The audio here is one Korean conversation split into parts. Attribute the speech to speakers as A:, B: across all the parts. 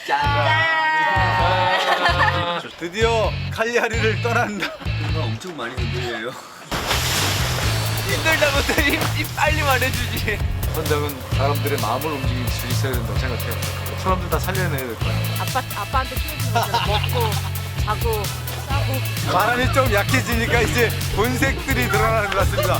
A: 드디어 칼리아리를 떠난다.
B: 뭔가 엄청 많이 흔들려요.
C: 힘들다고 힘 빨리 말해주지.
A: 선장은 사람들의 마음을 움직일 수 있어야 된다고 생각해요. 사람들 다 살려내야 될 거야.
D: 아빠한테 키워주는 거잖아. 먹고, 자고, 싸고.
A: 바람이 좀 약해지니까 이제 본색들이 드러나는 것 같습니다.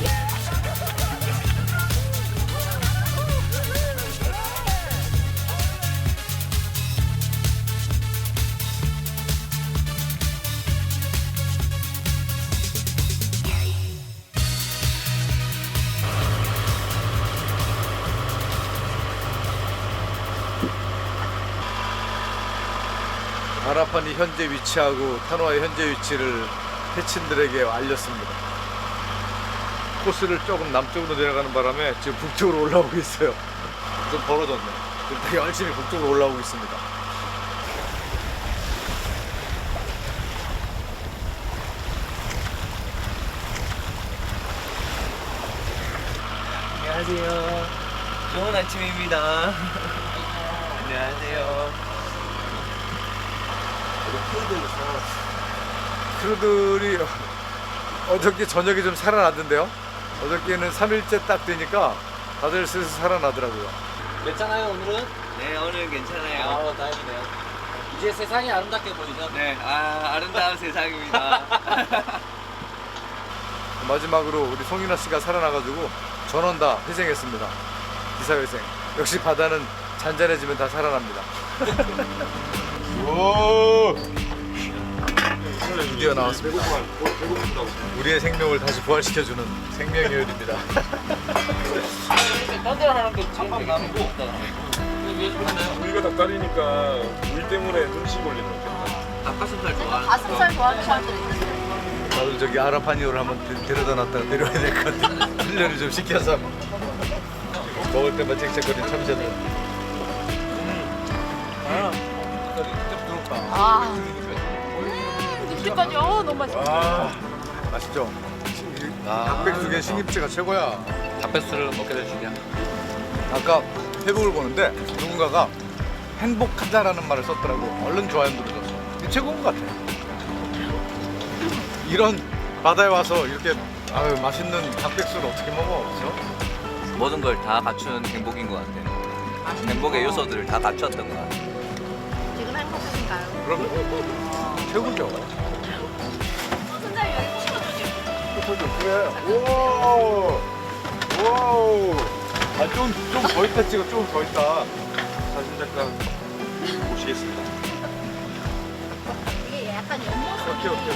A: 아라판이 현재 위치하고 타노아의 현재 위치를 해친들에게 알렸습니다. 코스를 조금 남쪽으로 내려가는 바람에 지금 북쪽으로 올라오고 있어요. 좀 벌어졌네. 지금 되게 열심히 북쪽으로 올라오고 있습니다.
C: 안녕하세요. 좋은 아침입니다. 안녕하세요.
A: 크루들이 어저께 저녁에 좀 살아나던데요. 어저께는 3일째 딱 되니까 다들 슬슬 살아나더라고요.
E: 괜찮아요 오늘은?
C: 네, 오늘 괜찮아요.
E: 다행이네요. 이제 세상이 아름답게 보이죠?
C: 네, 아름다운 세상입니다.
A: 마지막으로 우리 송윤아 씨가 살아나가지고 전원 다 회생했습니다. 기사회생. 역시 바다는 잔잔해지면 다 살아납니다. 오! 드디어 나왔습니다. 우리의 생명을 다시 부활시켜주는 생명의 요리입니다.
E: 딴데랑 하는 게 창밖 나는 거 없잖아. 왜 그러나요?
F: 우리가 닭다리니까 우리 때문에 눈치 볼리는 거겠다.
C: 닭가슴살 좋아하는
D: 가슴살 좋아하는 사람들이 있어요.
A: 나도 저기 아라파니오를 한번 데려다 놨다가 내려와야 될 것 같아. 훈련을 좀 시켜서 먹을 때만 짹짹거리는 참새들.
D: 육즙까지, 너무 맛있어.
A: 아, 맛있죠? 닭백숙의 신김치가 최고야.
E: 닭백수를 먹게 될 줄이야.
A: 아까 페북을 보는데 누군가가 행복하다라는 말을 썼더라고. 얼른 좋아요 눌러줬어. 이게 최고인 것 같아. 이런 바다에 와서 이렇게 맛있는 닭백숙을 어떻게 먹어? 그렇죠?
C: 모든 걸 다 갖춘 행복인 것 같아요. 행복의 요소들을 다 갖췄던 것 같아요.
D: 지금 행복하신가요?
A: 그럼 최고죠.
D: 선장님 여기 꽂아주지.
A: 그래. 오, 오. 좀 더 있다 찍어. 좀 더 있다.
F: 사진 작가 모시겠습니다.
D: 이게 약간 옆모습이.
A: 오케이, 오케이.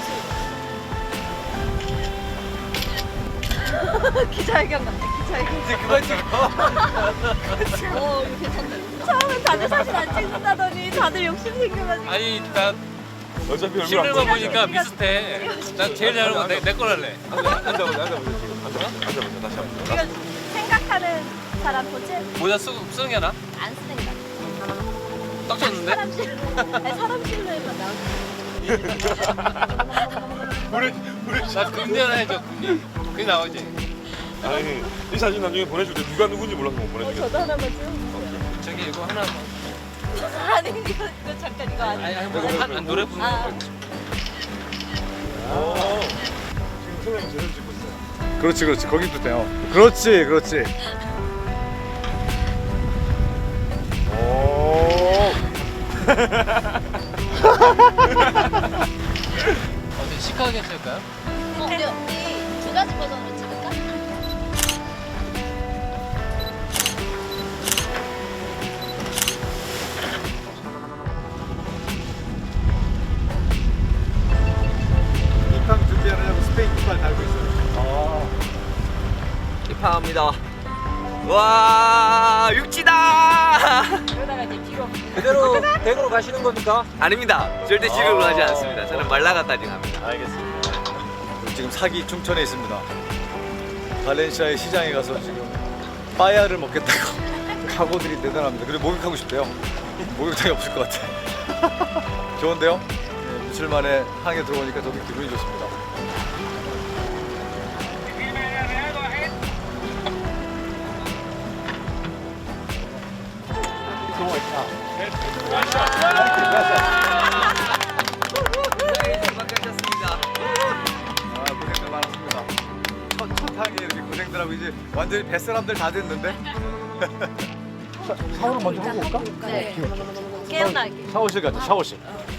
D: 옆모습이. 기자회견 같아, 기자회견.
A: 이제 그만 찍어.
D: 이거 괜찮네. 처음엔 다들 사진 안 찍는다더니 다들 욕심 생겨가지고.
E: 아니 나
F: 어차피 얼굴 안
E: 실물만
F: 보여.
E: 보니까 비슷해. 난 제일 잘 먹는 내 거랄래.
F: 앉아보자 지금. 앉아보자 다시 한번.
D: 이거 생각하는 사람 보지?
E: 모자 쓰는 게 나?
D: 안 쓰는 게 낫지.
E: 딱 쳤는데?
D: 사람 실루. 아니, 사람 실루에만 나오지.
F: 우리
E: 나 금리 하나 해줘. 금리 나오지.
F: 아니 이 사진 나중에 보내줄 때 누가 누군지 몰라서 못 보내주겠어.
D: 저도 하나만 좀.
E: 저기 이거 하나.
D: 아니 이거 잠깐 이거 아니.
E: 아니 노래 부르는
D: 아.
E: 거.
F: 오. 지금 선생님 제대로 찍고 있어요.
A: 그렇지, 그렇지. 거기도 돼요. 그렇지, 그렇지. 오.
E: 어떻게 시크하게 찍을까요?
D: 우리 두 가지 버전으로 찍을까?
A: 입항 준비하느냐고 스페인 깃발 달고 있어요.
C: 입항합니다. 와, 육지다!
D: 그러다가 이제 뒤로.
E: 그대로 대구로 가시는 겁니까?
C: 아닙니다. 절대 지루로 가지 않습니다. 저는 말라가까지 갑니다.
E: 알겠습니다.
A: 지금 사기 충천에 있습니다. 발렌시아의 시장에 가서 지금 빠야를 먹겠다고 각오들이 대단합니다. 그리고 목욕하고 싶대요. 목욕탕이 없을 것 같아. 좋은데요? 네, 며칠 만에 항에 들어오니까 되게 기분이 좋습니다.
E: 좋아 있다.
A: 고생들 많았습니다. 첫 항에 이렇게 고생들 하고 이제 완전히 뱃사람들 다 됐는데. 샤워를 먼저 하고 올까?
D: 네. 깨어나게.
A: 샤워실 가자, 샤워실.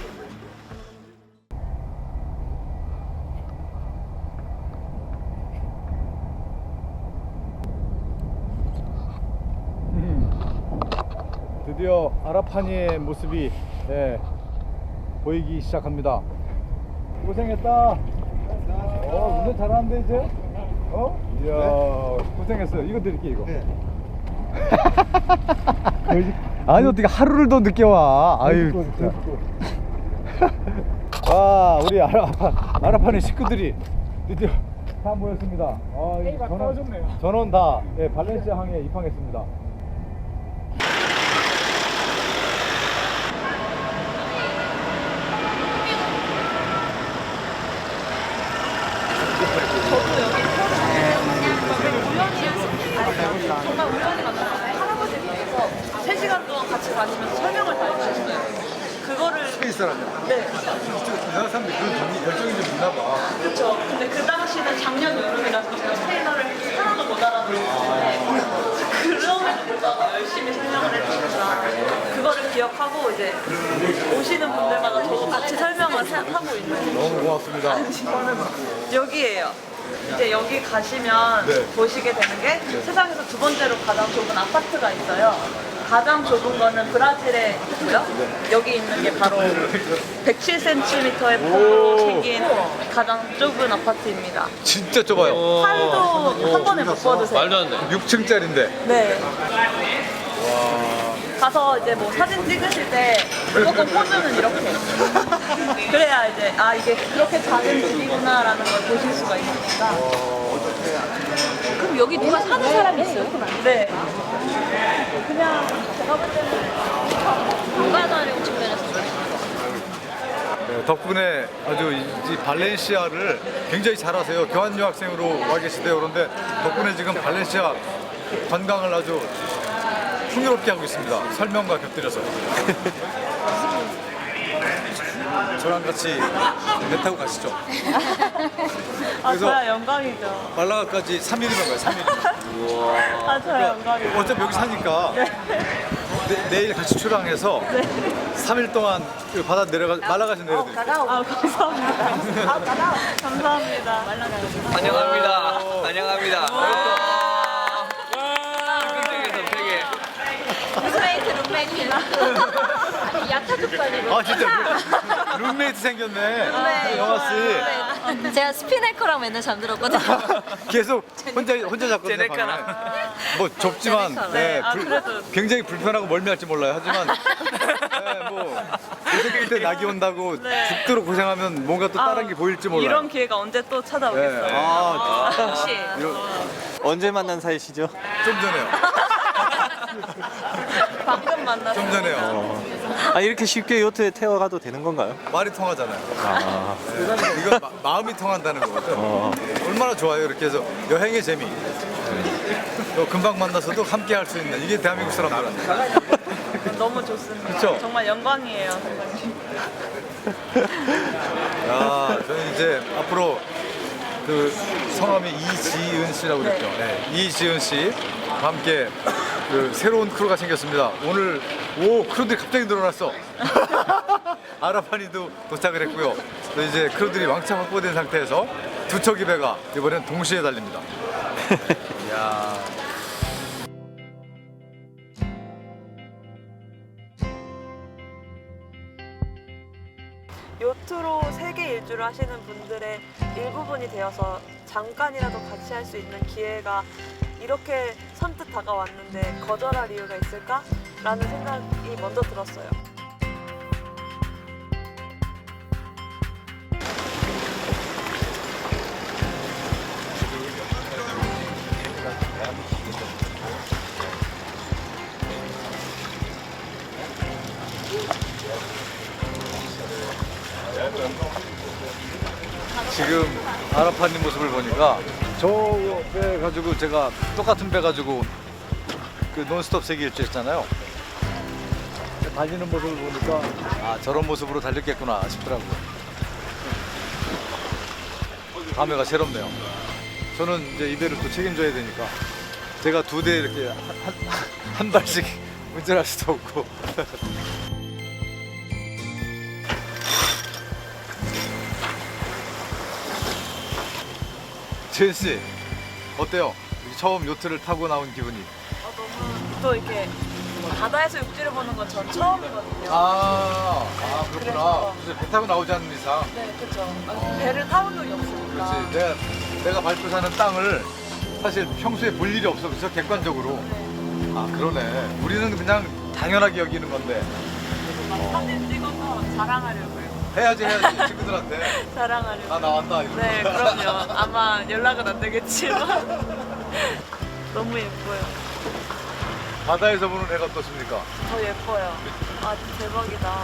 A: 드디어 아라파니의 모습이 보이기 시작합니다. 고생했다. 운전 잘하는데 이제? 이야, 고생했어요. 이거 드릴게 이거. 아니 어떻게 하루를 더 늦게 와? 아유 진짜. 와 우리 아라파니 식구들이 드디어 다 모였습니다. 전원 다 발렌시아 항에 입항했습니다.
G: 정말 우연히 만났어요. 할아버지께서 3시간 동안 같이 다니면서 설명을 다 해주셨어요. 그거를
A: 스페이스 사람이야.
G: 네,
A: 우리나라 사람들이 그런 열정이 좀 있나 봐.
G: 그렇죠. 근데 그 당시는 작년 여름이라서 스페인어를 하나도 못 알아들었는데 그럼에도 불구하고 열심히 설명을 해주시니까 그거를 기억하고 이제 오시는 분들마다 저도 같이 설명을 하고 있는.
A: 너무 고맙습니다.
G: 여기에요. 이제 여기 가시면
A: 네.
G: 보시게 되는 게 세상에서 두 번째로 가장 좁은 아파트가 있어요. 가장 좁은 거는 브라질에 있고요. 여기 있는 게 바로 107cm의 폭으로 생긴 가장 좁은 아파트입니다.
A: 진짜 좁아요.
G: 팔도 한 번에 못 뻗으세요.
E: 말도 안 돼.
A: 6층짜리인데.
G: 네. 가서 이제 뭐 사진 찍으실 때 무조건 포즈는 이렇게. 그래야 이제 아 이게 그렇게 작은 집이구나라는 걸 보실 수가 있으니까.
D: 그럼 여기 누가 사는 사람이 있어요?
G: 네. 그냥 제가 볼 때는
D: 공간화력 측면에서
A: 덕분에 아주 이 발렌시아를 굉장히 잘하세요. 교환 유학생으로 와 계시대요. 그런데 덕분에 지금 발렌시아 관광을 아주 풍요롭게 하고 있습니다. 설명과 곁들여서. 저랑 같이 배 타고 가시죠.
G: 아
A: 그래서-
G: 저야 영광이죠.
A: 말라가까지 3일이면 가요. 3일.
G: 아 저야 영광이죠.
A: 어차피 여기 사니까 내일 같이 출항해서 3일 동안 그 바다 말라가시 내려드릴게요.
G: 아 감사합니다. 감사합니다.
C: 환영합니다. 환영합니다.
D: 룸메이트. 아니 야타족반이고.
A: 아 진짜 룸메이트 생겼네. 영화 씨.
D: 제가 스피네커랑 맨날 잠들었거든요.
A: 계속 혼자 잤거든요.
C: 제네카랑.
A: 방에. 뭐 좁지만
G: 네, 아, 그래도.
A: 굉장히 불편하고 멀미할지 몰라요. 하지만 뭐 고생 끝에 낙이 온다고
G: 네.
A: 죽도록 고생하면 뭔가 또 다른 게 보일지 몰라요.
G: 이런 기회가 언제 또 찾아오겠어요.
A: 네.
G: 혹시
H: 언제 만난 사이시죠?
A: 좀 전에요.
G: 방금 만났어요.
A: 좀 전에요.
H: 아 이렇게 쉽게 요트에 태워가도 되는 건가요?
A: 말이 통하잖아요. 네. 이건 마음이 통한다는 거거든. 얼마나 좋아요. 이렇게 해서 여행의 재미. 또 금방 만나서도 함께 할 수 있는 이게 대한민국 사람들한테.
G: 너무 좋습니다.
A: 그쵸?
G: 정말 영광이에요, 선생님.
A: 야, 저는 이제 앞으로 그 성함이 이지은 씨라고 그랬죠. 네. 이지은 씨와 함께 그 새로운 크루가 생겼습니다. 오늘 크루들이 갑자기 늘어났어. 아라파니도 도착을 했고요. 또 이제 크루들이 왕창 확보된 상태에서 두 척의 배가 이번엔 동시에 달립니다. 이야.
G: 요트로 세계 일주를 하시는 분들의 일부분이 되어서 잠깐이라도 같이 할 수 있는 기회가 이렇게 선뜻 다가왔는데 거절할 이유가 있을까? 라는 생각이 먼저 들었어요.
A: 지금 아라파니 모습을 보니까 저 배 가지고 제가 똑같은 배 가지고 그 논스톱 세계 일주 했잖아요. 달리는 모습을 보니까 아 저런 모습으로 달렸겠구나 싶더라고요. 감회가 새롭네요. 저는 이제 이 대를 또 책임져야 되니까 제가 2대 이렇게 한 발씩 운전할 수도 없고. 재은 씨 어때요? 처음 요트를 타고 나온 기분이?
G: 너무 또 이렇게 바다에서 육지를 보는 건 전 처음이거든요.
A: 그렇구나.
G: 그래서-
A: 그래서 배 타고 나오지 않는 이상.
G: 네, 그렇죠. 배를 타본 적이 없으니까.
A: 그렇지. 내가 밟고 사는 땅을 사실 평소에 볼 일이 없어. 그래서 객관적으로.
G: 네.
A: 아 그러네. 우리는 그냥 당연하게 여기는 건데
G: 사진 찍어서 자랑하려고요.
A: 해야지 친구들한테
G: 자랑하려고.
A: 나 나왔다 이러고.
G: 네, 그럼요. 아마 연락은 안 되겠지만 너무 예뻐요.
A: 바다에서 보는 애가 어떻습니까?
G: 더 예뻐요. 아, 대박이다.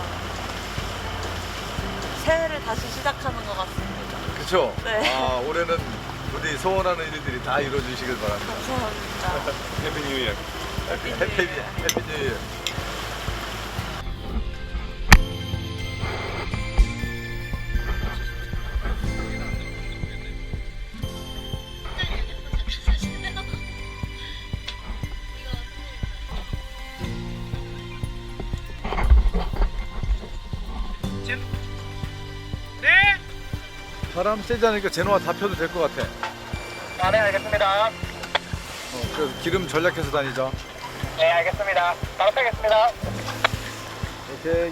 G: 새해를 다시 시작하는 것 같습니다.
A: 그쵸?
G: 네.
A: 아 올해는 우리 소원하는 일들이 다 이루어지시길 바랍니다.
G: 감사합니다.
F: 해피 뉴 이어.
A: 해피 뉴 이어. 바람 세지 않으니까 제노와 다 펴도 될 것 같아.
E: 네, 알겠습니다.
A: 그래서 기름 전략해서 다니자.
E: 네, 알겠습니다. 바로 빼겠습니다.
A: 오케이.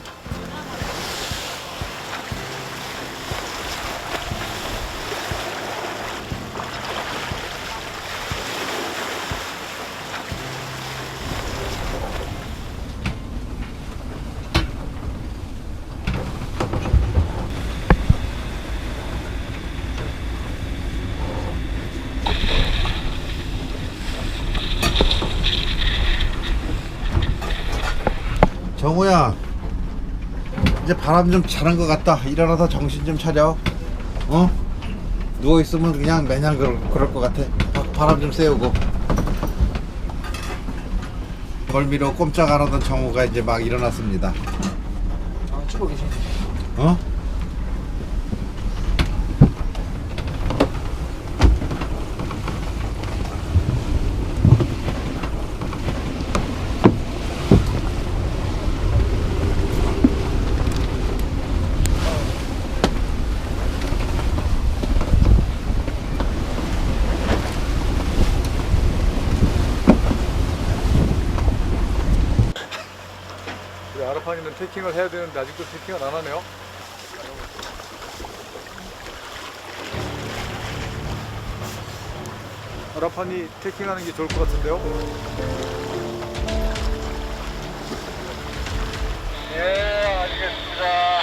I: 정우야, 이제 바람 좀 자는 것 같다. 일어나서 정신 좀 차려. 어? 누워 있으면 그냥 매년 그럴 것 같아. 바람 좀 쐬우고. 멀미로 꼼짝 안 하던 정우가 이제 막 일어났습니다.
E: 찍고 계시네.
I: 어?
A: 우리 아라판이는 태킹을 해야 되는데 아직도 태킹을 안 하네요. 아라판이 태킹하는 게 좋을 것 같은데요.
E: 예, 알겠습니다.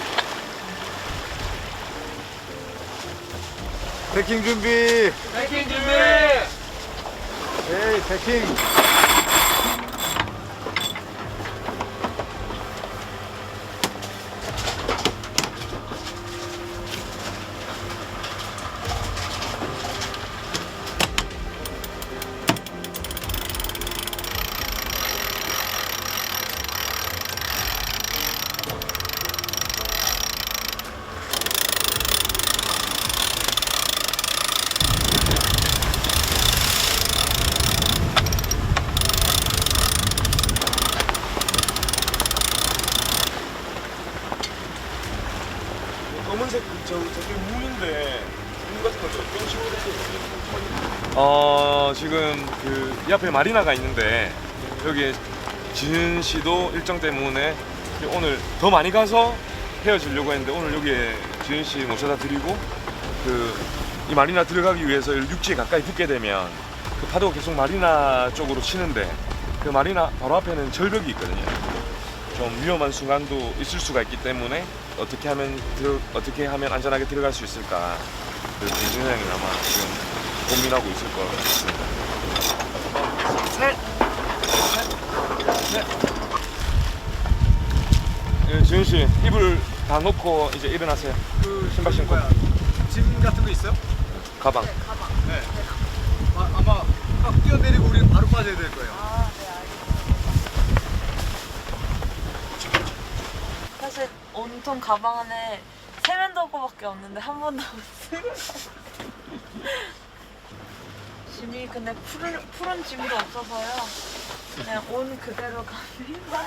A: 태킹 준비.
E: 백인 준비!
A: 에이 태킹.
F: 검은색 저게 무인데 무 같은 걸 어떤 식으로 됐어요? 지금 그 이 앞에 마리나가 있는데 여기에 지은 씨도 일정 때문에 오늘 더 많이 가서 헤어지려고 했는데 오늘 여기에 지은 씨 모셔다 드리고 그 이 마리나 들어가기 위해서 육지에 가까이 붙게 되면 그 파도가 계속 마리나 쪽으로 치는데 그 마리나 바로 앞에는 절벽이 있거든요. 좀 위험한 순간도 있을 수가 있기 때문에 어떻게 하면 안전하게 들어갈 수 있을까 그 김준호 형이 아마 지금 고민하고 있을 것 같습니다. 예, 지은 씨 이불 다 놓고 이제 일어나세요.
A: 그
F: 신발 신고.
A: 짐 같은 거 있어요?
F: 가방.
G: 가방.
A: 네. 아마 막 뛰어내리고 우리는 바로 빠져야 될 거예요.
G: 아, 네, 알겠습니다. 사실 온통 가방 안에 세면도구밖에 없는데 한 번도 못 쓰고. 짐이 근데 푸른 짐도 없어서요. 그냥 온 그대로 갑니다.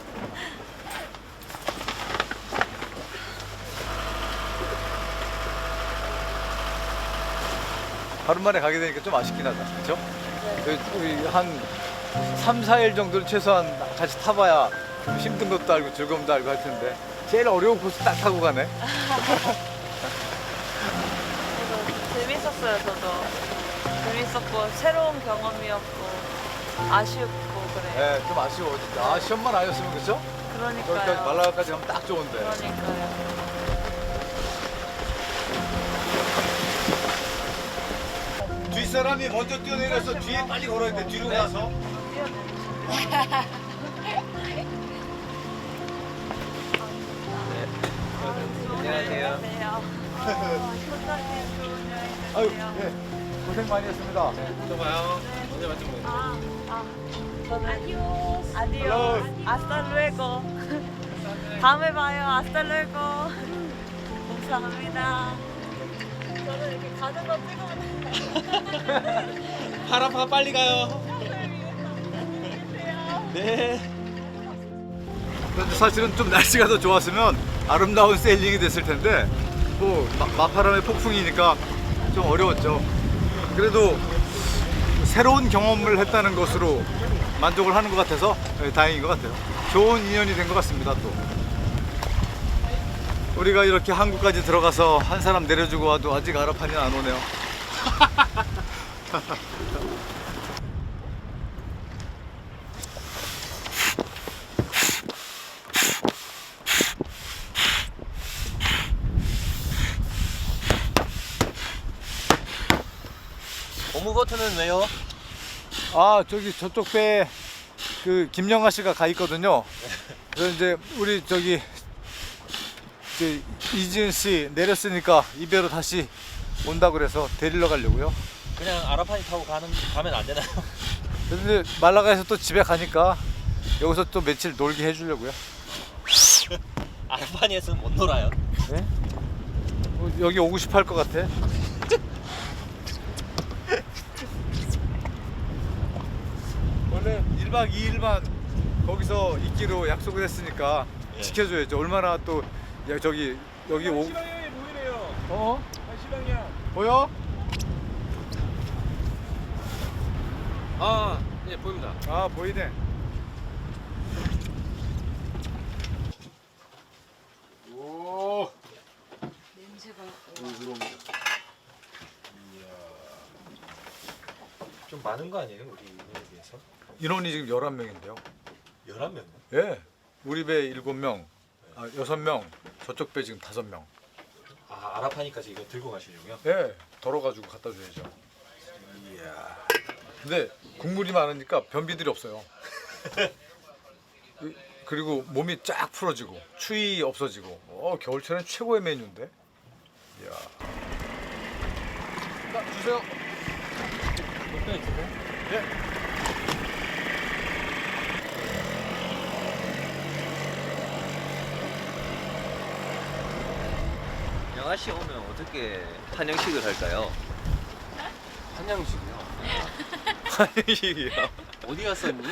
A: 하루 만에 가게 되니까 좀 아쉽긴 하다. 그렇죠? 우리 한 3, 4일 정도는 최소한 같이 타봐야 좀 힘든 것도 알고 즐거움도 알고 할 텐데 제일 어려운 코스 딱 타고 가네.
G: 그래서 재밌었어요, 저도. 재밌었고 새로운 경험이었고 아쉽고 그래요.
A: 네, 좀 아쉬워 진짜. 시험만 아니었으면 그렇죠? 저기까지
G: 그러니까요.
A: 말라가까지 가면 딱 좋은데.
G: 그러니까요.
A: 뒷사람이 먼저 뛰어내려서 뒤에 빨리 걸어야 돼. 뒤로 가서.
C: 안녕하세요.
G: 소장님 좋은 여행
A: 아유,
G: 되세요.
A: 예. 고생 많이 했습니다.
E: 또 봐요. 언제 맞지 뭐.
G: 저는 아디오스. 아스탈루에고. 다음에 봐요. 아스탈루에고. 감사합니다. 저는 이렇게 가는 거 찍으면
E: 파라파 빨리 가요.
A: 그런데 사실은 좀 날씨가 더 좋았으면 아름다운 세일링이 됐을 텐데 뭐 마파람의 폭풍이니까 좀 어려웠죠. 그래도 새로운 경험을 했다는 것으로 만족을 하는 것 같아서 다행인 것 같아요. 좋은 인연이 된 것 같습니다. 또 우리가 이렇게 한국까지 들어가서 한 사람 내려주고 와도 아직 아라판이 안 오네요.
H: 고무보트는 왜요?
A: 아 저기 저쪽 배에 그 김영하 씨가 가 있거든요. 그래서 이제 우리 저기 이제 이지은 씨 내렸으니까 이 배로 다시 온다 그래서 데리러 가려고요.
H: 그냥 아라판이 타고 가면 안 되나요?
A: 근데 말라가에서 또 집에 가니까 여기서 또 며칠 놀게 해주려고요.
H: 아라판이에서는 못 놀아요.
A: 네? 여기 오고 싶어 할 것 같아. 원래 1박 2일만 거기서 있기로 약속을 했으니까
H: 예.
A: 지켜줘야죠. 얼마나 또 저기 여기 오
F: 시방향이 보이네요.
A: 어?
F: 시방향.
A: 보여?
E: 아, 예 보입니다.
A: 아 보이네. 오.
H: 좀 많은 거 아니에요, 우리 인원에 비해서?
A: 인원이 지금 11명인데요.
H: 11명?
A: 예. 우리 배 7명, 6명, 저쪽 배 지금 5명.
H: 아, 아라판이까지 이거 들고 가시려고요?
A: 예. 덜어가지고 갖다 줘야죠. 이야. 근데 국물이 많으니까 변비들이 없어요. 그리고 몸이 쫙 풀어지고 추위 없어지고 겨울철엔 최고의 메뉴인데. 이야. 자, 주세요. 예.
C: 영아 씨 오면 어떻게 한영식을 할까요?
E: 한양식이요.
A: 한식이요.
E: 어디 갔었니?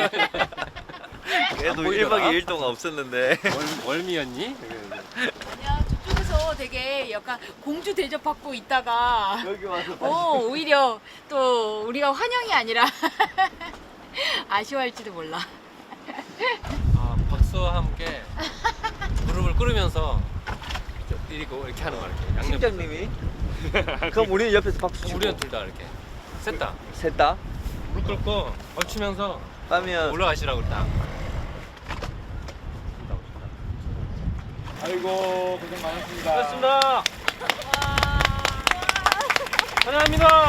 C: 그래도
E: 보이더라?
C: 1박 2일 동안 없었는데.
E: 월미였니?
D: 야, 저쪽에서 되게 약간 공주 대접받고 있다가
C: 여기 와서
D: 오히려 또 우리가 환영이 아니라 아쉬워할지도 몰라.
E: 아, 박수와 함께 무릎을 꿇으면서 이렇게 하는 거야. 이렇게 양옆.
C: 팀장님이? 그럼 우리는 옆에서 박수 치고
E: 우리는 둘 다 이렇게 셋다
C: 셋 다?
E: 무릎 꿇고 얹히면서
C: 빠면
E: 올라가시라고 딱.
A: 아이고 고생 많으십니다.
E: 고맙습니다. 환영합니다.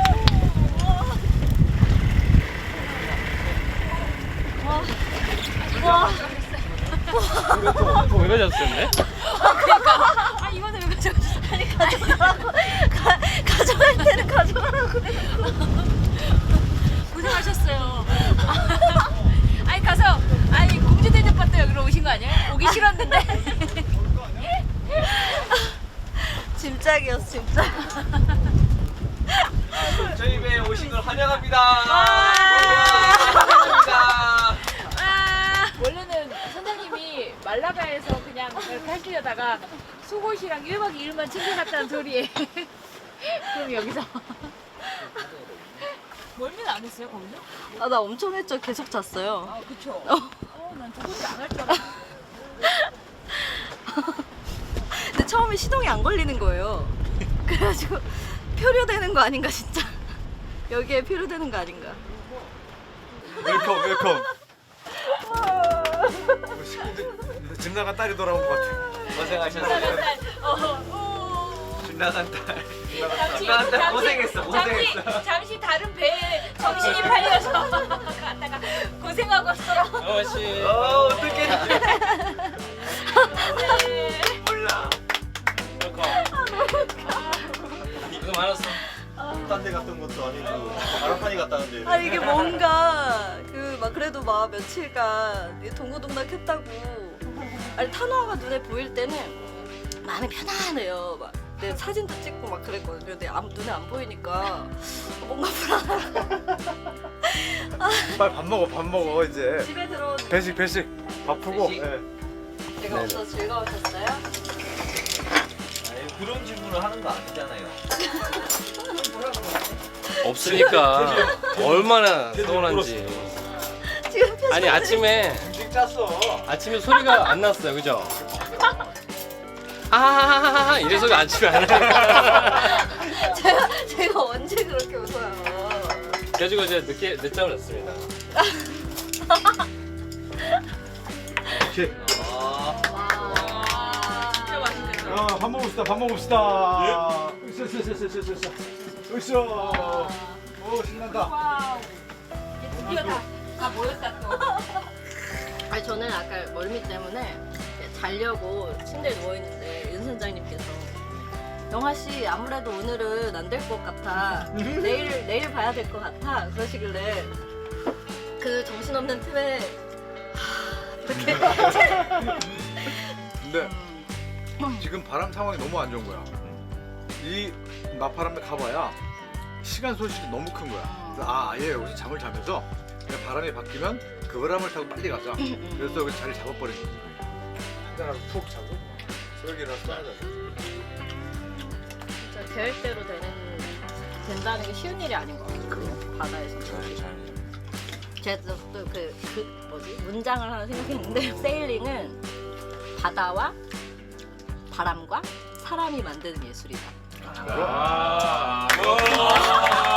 E: 왜 가졌었네?
D: 그러니까 이거는 왜 가져가셨어? 아니 가져가라고 가져갈 때는 가져가라고 고생하셨어요. 아니 가서 공주 대접받다 여기로 오신 거 아니에요? 오기 싫었는데.
G: 짐짝이었어 짐짝.
C: 저희 배에 오신 걸 환영합니다.
D: 원래는 선생님이 말라가에서 그냥 이렇게 하시려다가 속옷이랑 1박 2일만 챙겨갔다는 소리에. 그럼 여기서. 멀미는 안 했어요, 거기서?
G: 아 나 엄청 했죠. 계속 잤어요.
D: 아, 그쵸. 난 저것도 안 할 줄 알았어.
G: 근데 처음에 시동이 안 걸리는 거예요. 그래가지고 표류되는 거 아닌가 진짜. 여기에 표류되는 거 아닌가.
A: 웰컴 웰컴. 집 나간 딸이 돌아온 것 같아.
C: 고생하셨어요. 집 나간 딸. 고생했어.
D: 잠시 다른 배에 정신이 팔려서 갔다가 고생하고 왔어.
E: 어씨.
C: 어떡해.
E: 몰라. 이거 많았어.
H: 딴 데 갔던 것도 아니고 아라판이 갔다는데.
G: 아 이게 뭔가 그 막 그래도 막 며칠간 동고동락했다고. 아니 탄화가 눈에 보일 때는 마음이 편안해요. 막 내 사진도 찍고 막 그랬거든요. 근데 눈에 안 보이니까 뭔가 불안하고.
A: 빨리 밥 먹어 이제.
G: 집에 들어온
A: 배식 밥 푸고.
C: 배식?
A: 예.
G: 제가 없어서 즐거우셨어요?
C: 아니, 그런 질문을 하는 거 아니잖아요.
E: 없으니까 얼마나 서운한지.
G: 지금 표정
E: 아니 아침에 소리가 안 났어요, 그죠? 아하하하 이래서 아침에 안 하니까.
G: 제가 언제 그렇게 웃어요?
E: 그래가지고 이제 늦잠을 잤습니다.
A: 오케이.
G: 진짜 맛있겠다.
A: 밥 먹읍시다. 으쌰. 오 신난다.
D: 와우. 이제 드디어 다 모였다 또.
G: 아니 저는 아까 멀미 때문에 자려고 침대에 누워 있는데 윤 선장님께서 영화 씨 아무래도 오늘은 안 될 것 같아. 내일 봐야 될 것 같아. 그러시길래 그 정신없는 틈에 이렇게
A: 근데 지금 바람 상황이 너무 안 좋은 거야. 이 나파람에 가봐야 시간 손실이 너무 큰 거야. 그래서 아예 여기서 잠을 자면서 그냥 바람이 바뀌면 그 바람을 타고 빨리 가자. 그래서 여기 자리 잡아버린 거지. 한잔하고 푹 자고 여기 일어나서 또 하자.
G: 진짜 계획대로 된다는 게 쉬운 일이 아닌 것 같아요. 바다에서. 제가 또 그 뭐지 문장을 하나 생각했는데 세일링은 바다와 바람과 사람이 만드는 예술이다.
F: 와.